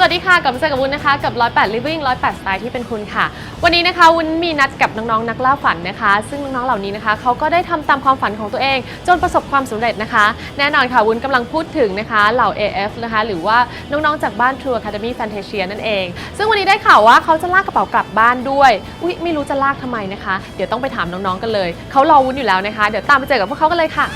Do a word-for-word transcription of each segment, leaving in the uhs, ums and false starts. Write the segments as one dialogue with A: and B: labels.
A: วัสดีค่ะกับเซกับวุ้นนะคะกับหนึ่งร้อยแปด Living หนึ่งร้อยแปด สไตล์ที่เป็นคุณค่ะวันนี้นะคะวุ้นมีนัดกับน้องๆนักล่าฝันนะคะซึ่งน้องๆเหล่านี้นะคะเขาก็ได้ทำตามความฝันของตัวเองจนประสบความสำเร็จนะคะแน่นอนค่ะวุ้นกำลังพูดถึงนะคะเหล่า เอ เอฟ นะคะหรือว่าน้องๆจากบ้าน True Academy Fantasia นั่นเองซึ่งวันนี้ได้ข่าวว่าเขาจะลากกระเป๋ากลับบ้านด้วยอุ๊ยไม่รู้จะลากทำไมนะคะเดี๋ยวต้องไปถามน้องๆกันเลยเขารอวุ้นอยู่แล้วนะคะเดี๋ยวตามไปเจอกับพวกเขากันเลยค่ะ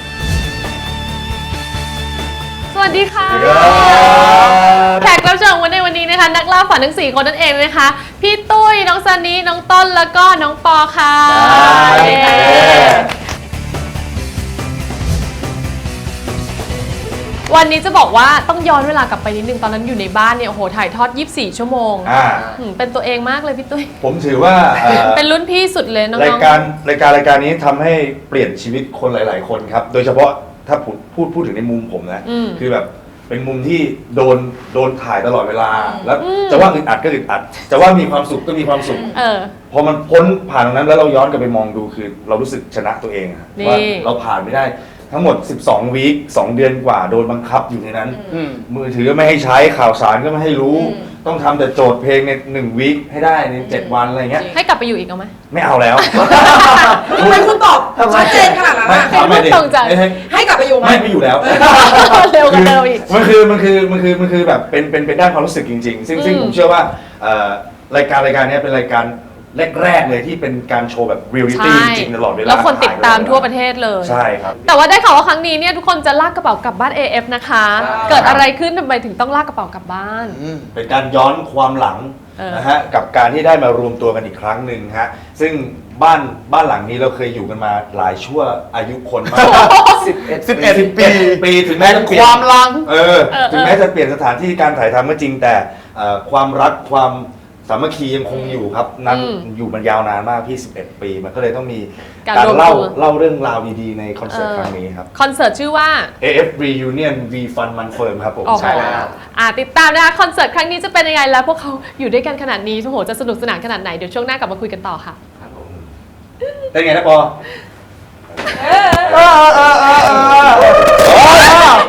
A: สวัสดีค่ะแขกรับเชิญวันในวันนี้นะคะนักล่าฝันทั้งสี่คนนั่นเองนะคะพี่ตุ้ยน้องซันนี่น้องต้นแล้วก็น้องปอค่ะวันนี้จะบอกว่าต้องย้อนเวลากลับไปนิดนึงตอนนั้นอยู่ในบ้านเนี่ยโอ้โหถ่ายทอดยี่สิบสี่ชั่วโมงเป็นตัวเองมากเลยพี่ตุ้ย
B: ผมถือว่า
A: เป็นรุ่นพี่สุดเลยน้องๆ
B: รายการรายการรายการนี้ทำให้เปลี่ยนชีวิตคนหลายๆคนครับโดยเฉพาะถ้าพูดพูดพูดถึงในมุมผมนะคือแบบเป็นมุมที่โดนโดนถ่ายตลอดเวลาแล้วจะว่าอึดอัดก็อึดอัดจะว่ามีความสุขก็มีความสุขพอมันพ้นผ่านตรงนั้นแล้วเราย้อนกลับไปมองดูคือเรารู้สึกชนะตัวเองว่าเราผ่านไม่ได้ทั้งหมดสิบสองวีคสองเดือนกว่าโดนบังคับอยู่ในนั้นมือถือก็ไม่ให้ใช้ข่าวสารก็ไม่ให้รู้ต้องทำแต่โจทย์เพลงในหนึ่งวีคให้ได้ในเจ็ดวันอะไรเงี้ย
A: ให้กลับไปอยู่อีกเอาไหม
B: ไม่เอาแล้ว
C: ทำไมคุณตอบชัดเจนขนาดนั้น
A: ให้ไม่ตรงใจ
C: ให้กลับไปอยู่ไหม
B: ไม่ไปอยู่แล้ว
A: เร็วกันเดิมอีก
B: มันคือมันคือมันคือมันคือแบบเป็นเป็นเป็นด้านความรู้สึกจริงๆซึ่งซึ่งผมเชื่อว่ารายการรายการนี้เป็นรายการแรกๆเลยที่เป็นการโชว์แบบเรียลลิตี้จริงตลอดเวลา
A: แล้วคนติดตามทั่วประเทศเลย
B: ใช่ครับ
A: แต่ว่าได้ข่าวว่าครั้งนี้เนี่ยทุกคนจะลากกระเป๋ากลับบ้าน เอ เอฟ นะคะเกิดอะไรขึ้นทำไมถึงต้องลากกระเป๋ากลับบ้าน
B: เป็นการย้อนความหลังนะฮะกับการที่ได้มารวมตัวกันอีกครั้งหนึ่งฮะซึ่งบ้านบ้านหลังนี้เราเคยอยู่กันมาหลายชั่วอายุคนมากสิบเอ็ด
D: สิบเอ็ดปี
B: ปีถึงแม้จะเปลี่ยน
D: ความลัง
B: เออถึงแม้จะเปลี่ยนสถานที่การถ่ายทำก็จริงแต่ความรักความสามัคคียังคงอยู่ครับนั้นอยู่มันยาวนานมากพี่สิบเอ็ดปีมันก็เลยต้องมีการเล่าเล่าเรื่องราวดีๆในคอนเสิร์ตครั้งนี้ครับ
A: คอนเสิร์ตชื่อว่า
B: เอ เอฟ Reunion V Fun Man Firm ครับผม
A: ใช่แล้วติดตามนะคะคอนเสิร์ตครั้งนี้จะเป็นยังไงแล้วพวกเขาอยู่ด้วยกันขนาดนี้โอ้โหจะสนุกสนานขนาดไหนเดี๋ยวช่วงหน้ากลับมาคุยกันต่อค่ะ
B: เป็นไงนะปอ